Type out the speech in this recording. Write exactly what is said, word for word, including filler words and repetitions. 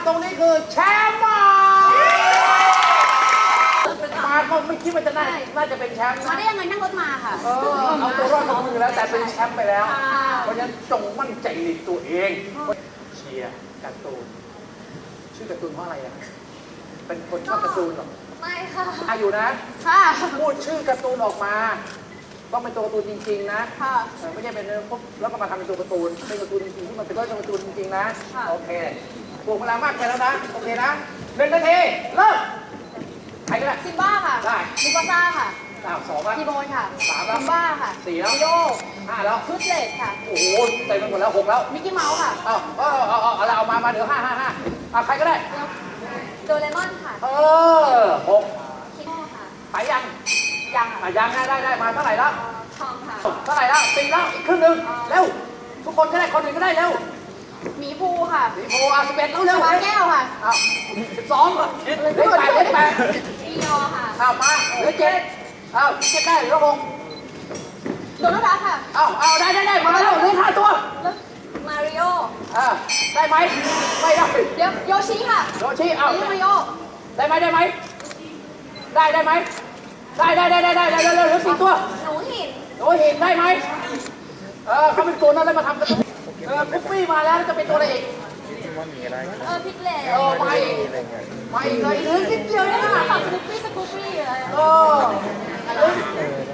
ตรงนี้คือแชมป์มามาก็ไม่คิดว่าจะน่าน่าจะเป็นแชมป์มานะได้ยังไงนั่งรถมาค่ะเออเอาตัวรอดมาอยู่แล้วแต่เป็นแชมป์ไปแล้วเพราะฉะนั้นจงมั่นใจในตัวเองเชียร์การ์ตูนชื่อการ์ตูนเพราะอะไรอ่ะเป็นคนชอบการ์ตูนหรอไม่ค่ะอาอยู่นะค่ะพูดชื่อการ์ตูนออกมาต้องเป็นตัวการ์ตูนจริงๆนะค่ะไม่ใช่เป็นปุ๊บแล้วก็มาทำเป็นตัวการ์ตูนเป็นการ์ตูนจริงๆที่มันเป็นตัวการ์ตูนจริงๆนะโอเคปลูกพลังมากไปแล้วนะโอเคนะหนึ่งนาทีเริ่มใครก็ได้ซิมบ้าค่ะได้มูฟาซ่าค่ะอ้าวสองแล้วทีโบนค่ะสามแล้วซิมบ้าค่ะสี่แล้วโยห้าแล้วชุดเลดค่ะโอ้โหเต็มไปหมดแล้วหกแล้วมิกกี้เมาส์ค่ะเอาเอาเอาเอาเอาเอามามาเดี๋ยวห้าห้าห้าเอาใครก็ได้โดเรมอนค่ะเออหกคิโน่ค่ะไปยังยังอ่ะยังได้ได้ได้มาเท่าไหร่แล้วทองค่ะเท่าไหร่แล้วสี่แล้วอีกครึ่งหนึ่งเร็วทุกคนก็ได้คนหนึ่งก็ได้เร็วหมีภูค่ะสีโพอ่ะสิบเอ็ดแล้วเร็วปลาแก้วค่ะอ้าวสิบสองเลขแปดเลขแปดอียอค่ะอ้าวมาเหลือเจ็ดอ้าวเจ็ดได้หรือหกโดนัลด์ดักค่ะอ้าวอ้าวได้ได้ได้มาแล้วเหลือห้าตัวมาริโออ่าได้ไหมไม่ได้เดี๋ยวโยชิค่ะโยชิอ้าวมาริโอได้ไหมได้ไหมได้ได้ไหมได้ได้ได้ได้ได้ได้เร็วเหลือสี่ตัวหนูหินหนูหินได้ไหมเออเขาเป็นตัวนั้นแล้วมาทำกันเออคุปปี้มาแล้วจะเป็นตัวอะไรอีกเออพิกเล่เออไม่ไม่เลยหรือนิดเดียวเนี่ยนะฝั่งสกูปปี้สกูปปี้อะไรเออ